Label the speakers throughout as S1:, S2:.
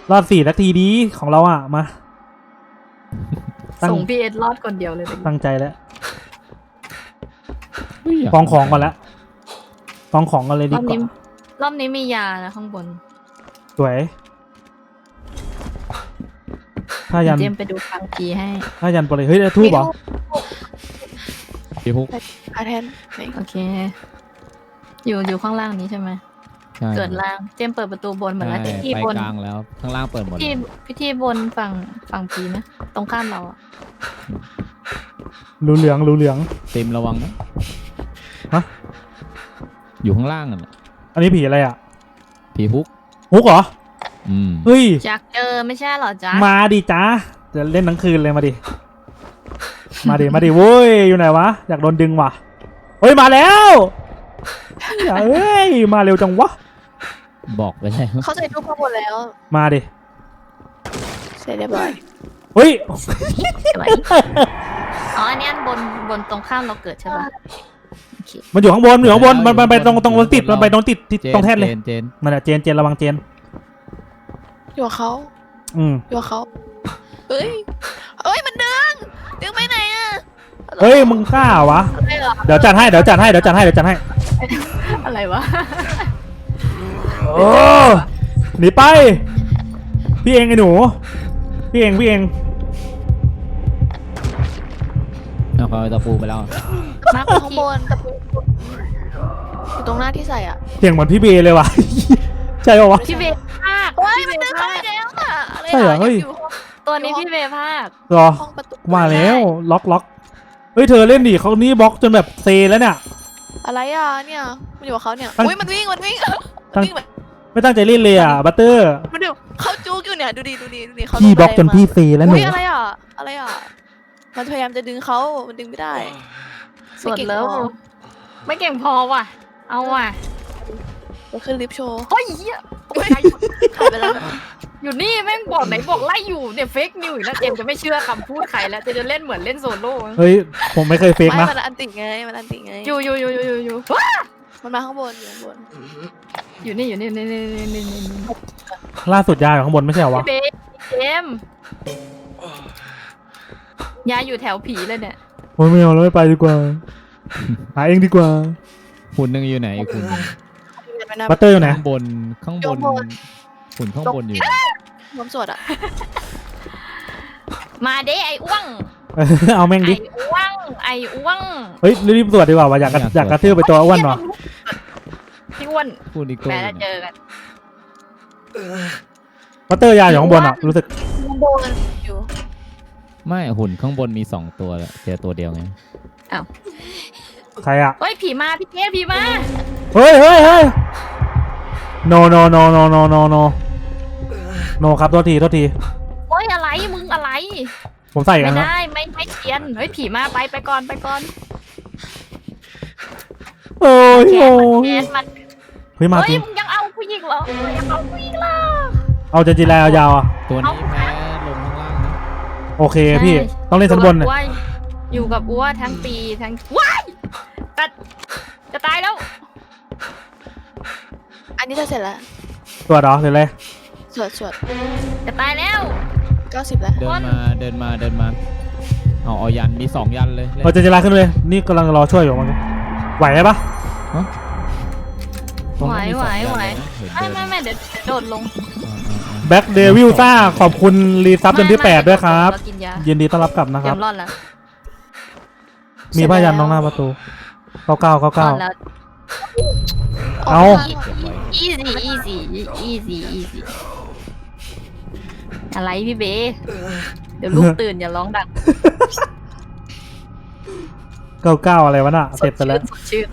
S1: รอด4 นาทีดีของเราอ่ะมา
S2: ส่งพี่เอ็ดรอดคนเดียวเลย
S1: ตั้งใจแล้วกองของก่อนแล้วกองของกันเลยดีกว่าร
S2: อบนี้มียานะข้างบน
S1: สวยถ้ายัน
S2: เจมไปดูฟังพีให้
S1: ถ้ายันไปเลยเฮ้ยทูบเหรอ
S3: พี่พุก
S2: อาแทนโอเคอยู่ข้างล่างนี้ใช่ไหมเกิดล่างเจมเปิดประตูบนเหมือนแล้วที่บน
S3: กลางแล้วข้างล่างเปิดหมด
S2: พิธีบนฝั่งพีนะตรงข้ามเราอ่ะ
S1: รู้เหลือง
S3: เต็มระวังนะ
S1: ฮะ
S3: อยู่ข้างล่าง
S1: อันนี้ผีอะไรอ่ะ
S3: ผีพุก
S1: เหรอเฮ้ย
S2: จักไม่ใช่หรอจ๊ะ
S1: มาดิจ้าจะเล่นทั้งคืนเลยมาดิมาดิโว้ยอยู่ไหนวะอยากโดนดึงว่ะเฮ้ยมาแล้วเฮ้ยมาเร็วจังวะ
S3: บอกไปเลย
S2: เขาใส่รูปข้างบนแล้ว
S1: มาดิ
S2: เสร็จเรียบร้อย
S1: เฮ้ย
S2: อ๋ออันนี้บนตรงข้ามเราเกิดใช่ป่ะ
S1: มันอยู่ข้างบนมันไปตรงติดมันไปตรงติดตรงแท่นเลยมันอะเจนระวังเจน
S2: อยู่เขาอยู่เขาเฮ้ยมันดึงไปไหนอ่ะ
S1: เฮ้ยมึงกล้าวะเดี๋ยวจัดให้
S2: อะไรวะ
S1: โอ้หนีไปพี่เองไอ้หนูพี่เอง
S3: เอาเขาตะปูไปแล้ว
S2: มาข้างบนตะปูอยู่ตรงหน้าที่ใส่อ่ะ
S1: เสียงเหมือนพี่เบย์เลยว่ะใช่ป่าวะ
S2: พี่เบย์ภาคเฮ้ยมันดึงเข้าไปแล้วอ่ะ
S1: ใช่เหรอเฮ้ย
S2: ตัวนี้พี่เบย์ภาค
S1: รอมาแล้วล็อกเฮ้ยเธอเล่นดิเขานี่บล็อกจนแบบเซแล้วเนี่ย
S2: อะไรอ่ะเนี่ยมันอยู่กับเขาเนี่ยอุ้ยมันวิ่ง
S1: ไม่ตั้งใจเล่นเลยอ่ะบัตเตอร์
S2: มันเดี๋ยวเขาจู๊กอยู่เนี่ยดูดี
S1: เขาพี่บล็อกจนพี่เซแล้วหนู
S2: อะไรอ่ะมันพยายามจะดึงเขามันดึงไม่ได้ส่วนแล้วไม่เก่งพอว่ะเอาว่ะก็คือลิฟโชว์เฮ้ยหายไปแล้วอยู่นี่แม่งบอกไหนบอกไล่อยู่เนี่ยเฟกนิวอีกแล้วเจมจะไม่เชื่อคำพูดใครแล้วจะเล่นเหมือนเล่นโซโล่
S1: เฮ้ยผมไม่เคยเฟกนะ
S2: มันอันติไงอยู่มันมาข้างบนอยู่นี่
S1: ล่าสุดยาอยู่ข้างบนไม่ใช่เหรอวะ
S2: เจมยาอยู่แถวผีเลยเนี่ย
S1: โอ้ยไม่เอาแล้วไม่ไปดีกว่าหาเองดีกว่า
S3: หุ่นนึงอยู่ไหนคุณ
S1: บัตเตอร์อยู่ไหน
S3: ข้างบนหุ่นข้างบนอยู่
S2: รวมสวดอ่ะมาเด้ไอ้อ้วง
S1: เอาแม่งดิ
S2: ไอ้อ้วง
S1: เฮ้ยรีบสวดดีกว่าว่ะอยากกระทืบไปตัวอ้วนหรอ
S2: พี่อ้วน
S3: พูดดีกว่า
S2: แม่เจอกัน
S1: บัตเตอร์ยาอยู่ข้างบนอ่ะรู้สึก
S2: ข้างบนอยู่
S3: ไม่หุ่นข้างบนมี2 ตัวเจอตัวเดียวไง
S2: อ้าว
S1: ใครอ่ะ
S2: เฮ้ยผีมาพี่เจ๊ผีมา
S1: เฮ้ยno ครับโทษที
S2: เฮ้ยอะไรมึงอะไร
S1: ผมใส่กัน
S2: ไม่ได้ไม่เทียนเฮ้ยผีมาไปก่อน
S1: โอ้ย
S2: มัน
S1: เฮ้ยมาจริง
S2: มึงยังเอาผู้หญิงเหรอ
S1: เอาจริงๆแล้วยาวอ่ะ
S3: ตัวนี้แพ้ลงข้างล่างนะ
S1: โอเคพี่ต้องเล่นชั้นบนเนี่ย
S2: อยู่กับอ้วทั้งปีทั้งว้ายแต่จะตายแล้วอันนี้จะเสร็จแล้ว
S1: สวดเหรอหรืออะไร
S2: สวดจะตายแล้ว90แล้ว
S3: เดินมาเอายันมี2 ยันเลย
S1: เราจะลาขึ้นเลยนี่กำลังรอช่วยอยู่มันไหวไหมปะ
S2: ไหวไม่เดี๋ยวโดดลง
S1: แบ็คเดวิลซ่าขอบคุณรีซับจนที่8ด้วยครับยินดีต้อนรับกลับนะครับมีผ้ายันน้องหน้าประตู99เอา
S2: easy อะไรพี่เบเดี๋ยวลูกตื่นอย่าร้องดัง
S1: 99อะไรวะน่ะเสร็จไปแล้ว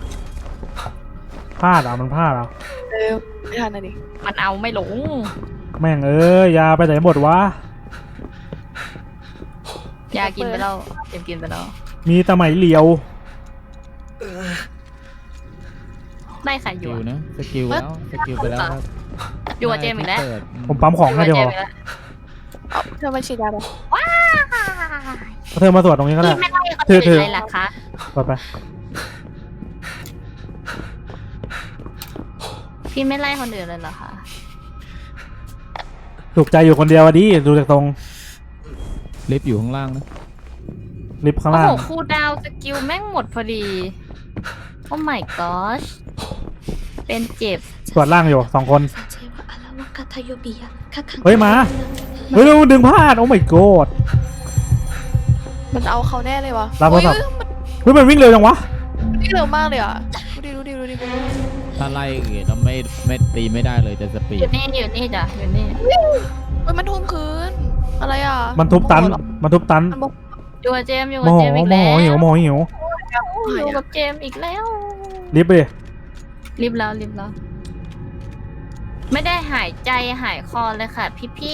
S1: พลาดมันพลาด
S2: ไม่ทันนะดิมันเอาไม่หลง
S1: แม่งยาไปไหนหมดวะ
S2: ยากินไปแล้วกินไปแล้ว
S1: มีตะไหมเหลียว
S2: ได้ใครอยู่
S3: นะสกิลไปแล้ว
S2: อยู่กับเจมอีกแล้ว
S1: ผมปั๊มของให้เดี๋ยว
S2: เธอมาฉีดยาไปว้า
S1: เธอมาตรวจตรงนี้ก็ได้
S2: เธออะไรล่ะคะ
S1: ไป
S2: พี่ไม่ไล่คนอื่นเลยเหรอคะ
S1: ถูกใจอยู่คนเดียวอะดิดูจากตรง
S3: ลิฟต์อยู่ข้างล่างนะ
S1: ลิฟต์ข้าง
S2: โอ้
S1: ล่าง
S2: โหคูลดาวน์สกิลแม่งหมดพอดี โอ้ my gosh เป็นเจ็บ
S1: ตรวจล่างอยู่2 คน เฮ้
S4: เฮ้
S1: ย
S4: ย
S1: มา
S4: มา
S1: เฮ้ยดึงพลาดโอ้ my god
S2: มันเอาเขาแน่เลยวะ
S1: รับโทรศัพท์
S2: เฮ้ย
S1: เฮ้ยมันวิ่งเร็วจังวะ
S2: มันวิ่งเร็วมากเลยอ่ะ ดูดิ
S3: ถ้าไล่แล้วไม่ตีไม่ได้เลยจะสปี
S2: อ
S3: ด
S2: ยู่นี่จ้ะอยู่นี่เฮ้ยมันทุ่มคืน อะไรอ่ะ
S1: มันทุบตันมันทุบตัน
S2: มันบอกอยู่กับเจมส์อยู่
S1: โม
S2: กับ
S1: โห
S2: เจมส์อีก
S1: โม
S2: แล้
S1: โห
S2: ว
S1: หิวโมโหหิว
S2: อยู่กับเจมส์อีกแล้ว
S1: ลิฟต์ไปดิ
S2: รีบแล้ว ไม่ได้หายใจหายคอเลยค่ะพี่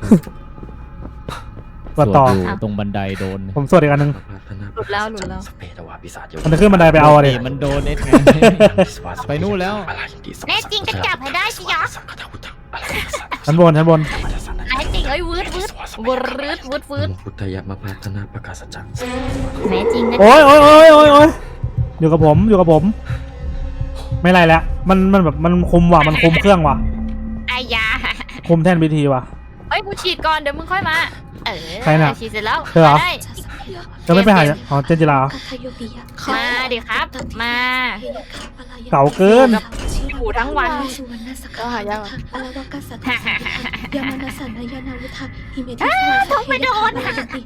S1: ตรวจต่อ
S3: ส่วนอยู่ตรงบันไดโดน
S1: ผมสวดอีกอันหนึง
S2: หลุดแล้ว
S1: มันจะขึ้นบันไดไปเอาอะดิ
S3: มันโดนเอสไง ไปนู่นแล้ว
S2: แน่จริงก็จับให้ได้สิยะ
S1: ชั้นบน
S2: แน่จริงเอ้ยวืด
S4: พุทธยมาพาธนาประกาศจักร
S2: แน่จริงนะ
S1: โอ้ยอยู่กับผมไม่ไรแล้วมันแบบมันคุมว่ะมันคุมเครื่องว่ะ
S2: ไอ้ยา
S1: คุมแท่นพิธีว่ะ
S2: เฮ้ยกูฉีดก่อนเดี๋ยวมึงค่อยมา
S1: ใครน่ะ
S2: ฉีดเสร็จแล้ว
S1: เธอเหรอ
S2: ได้
S1: จะไม่ไปหาอ๋อเจนจิราเหรอ
S2: มาดิครับ มา
S1: เก่าเกิน
S2: อยู่ทั้งวัน
S4: ก็หายาก
S2: ท้องไม่โดน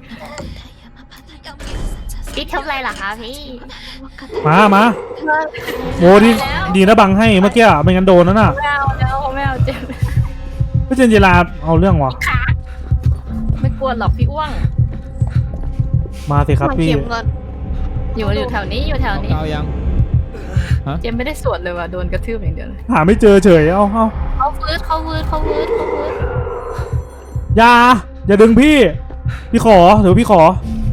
S2: พี่ทำอะไรล่ะคะพี่
S1: มาโมดีนะบังให้เมื่อกี้อะไม่งั้นโดนนั่นน่ะ
S2: ไม่เอาเจ็บ
S1: พี่เจนจิราเอาเรื่องว่ะ
S2: ไม่กลัวหรอกพี่อ้วง
S1: มาสิครับพี่
S2: อยู่แถวนี้อยู่แถวนี้
S3: เอายัง
S2: เจมไม่ได้สวดเลยว่ะโดนกระทืบอย่างเดียวเลย
S1: หาไม่เจอเฉยเอา
S2: เขาวืด
S1: อย่าดึงพี่ขอเดี๋ยวพี่ขอ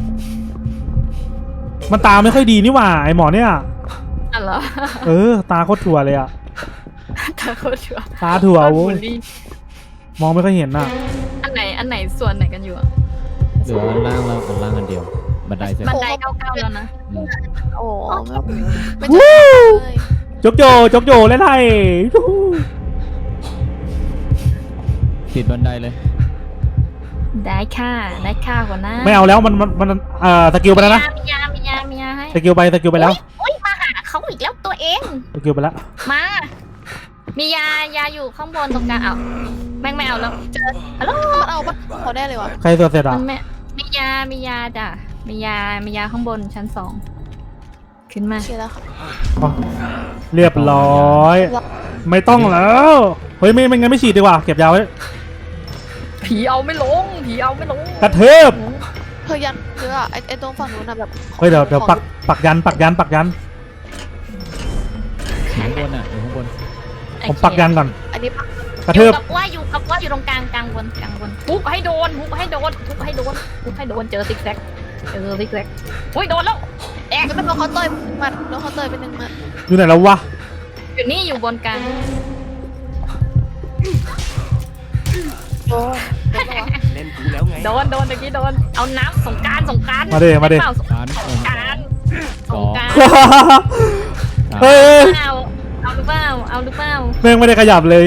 S1: มันตาไม่ค่อยดีนี่หว่าไอหมอเนี่ย
S2: อ๋อเหรอ
S1: ตาโคตรถั่วเลยอะ
S2: ตาโคตรชัว
S1: ตาถั่ว
S2: บู
S1: โว้
S2: ล
S1: ย
S2: ลี่
S1: มองไม่ค่อยเห็นน่ะ
S2: อันไหนส่วนไหนกันอยู่อะ
S3: เหลือล่างแล้วล่างอันเดียว บันไดเสร็จ
S2: บันไดเก้าแล้วนะ
S3: อืม
S2: โอ้
S1: วู้จกโยเล่นไทย
S3: ติดบันไดเลย
S2: ได้ค่ะหัวหน้า
S1: ไม่เอาแล้วมันสกิลไปแล้วนะ
S2: มียาให้
S1: สกิลไปแล้ว
S2: โอ๊ยมาหาเขาอีกแล้วตัวเอง
S1: สกิลไปแล้ว
S2: มา มียาอยู่ข้างบนตรงกลางเอาแม่งไม่เอาแล้วเจอฮัลโหลมันเอาปะเขาได้เลยวะ
S1: ใครตัวเสร็จอ่ะ
S2: มันไม่มียาจ้ะมียาข้างบนชั้น 2ขึ้นมาเชียร์แล้วค่ะ
S1: อ๋อเรียบร้อย ไม่ต้องแล้วเฮ้ยไม่งั้นไม่ฉีดดีกว่าเก็บยาไว้
S2: ผีเอาไม่ลง
S1: กระเทิบ
S2: เธอยันเธออะไอตรงฝั่งนู้นนะแบบ
S1: เฮ้ยเดี๋ยวปักยัน
S3: อยู่ข้างบนอ่ะอยู่ข้างบน
S1: ผมปักยันก่อน
S2: อันนี้
S1: กระเทิบ
S2: อยู่กับว่าอยู่ตรงกลางบนทุบให้โดนเจอซิกแซกอุ้ยโดนแล้วแอกมันโดนเขาเตยมัดโดนเขาเตยเป็นหนึ่งมัด
S1: อยู่ไหนแล้ววะ
S2: อยู่นี่อยู่บนกลาง
S5: เล่นกูแล้วไง
S2: โดนตะกี้โดนเอาน้ำสงกราร
S1: มาดิ
S2: สงกราร
S1: เฮ้ย
S2: เอาหรือเปล่า
S1: แม่งไม่ได้ขยับเลย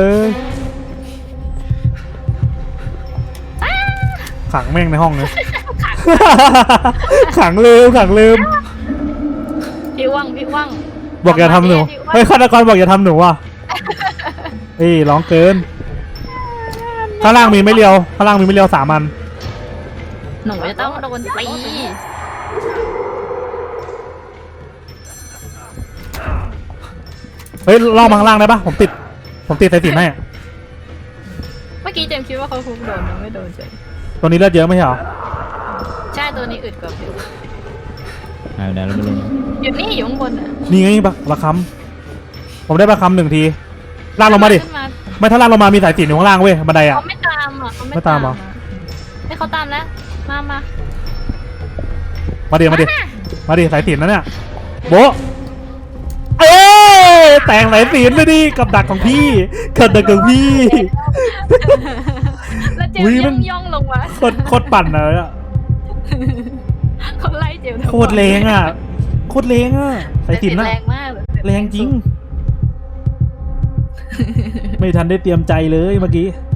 S1: ขังแม่งในห้องเลยขังลืม
S2: พี่ว่าง
S1: บอกอย่าทำหนูเฮ้ยฆาตกรบอกอย่าทำหนูว่ะร้องเกินข้างล่างมีไม่เลียว3 อัน
S2: หนูจะต้องโดนตี
S1: เฮ้ยล่อมาข้างล่างได้ปะผมติดสายสิญจน์ให้
S2: เมื่อกี้เจมส์คิดว่าเขาคุกโดนไม่โดนเฉย
S1: ตัวนี้เลือดเยอะไม่ใช่เหรอ
S2: ใช่ตัวนี้อึดกว่าพี่
S3: เอาไหนแล้วไม่รู้
S2: อยู่นี่อยู่ข้างบนอ่ะ
S1: นี่ไงประคำผมได้ประคำ1 ทีลากลงมาดิ
S2: ขึ้น
S1: ไม่ถ้าลากลงมามีสายสิญจน์อยู่ข้างล่างเว้ยบันไดอ่ะ
S2: เขาไม่ตามอ่ะ
S1: ไม่ตามเหรอ
S2: ให้เขาตามแล้วมา
S1: มาดิสายสิญจน์นะเนี่ยโบะแต่งสายสิญจน์ไม่ดิกับดักของพี่
S2: แล้วเจมส์ย่องลงมา
S1: โคตรปั่นเลยอ่ะ
S2: เขาไล่เจมส์
S1: โคตรแรงอ่ะสายสิญจน์น่ะ
S2: แรงมากเลย
S1: แรงจริง ไม่ทันได้เตรียมใจเลยเมื่อกี้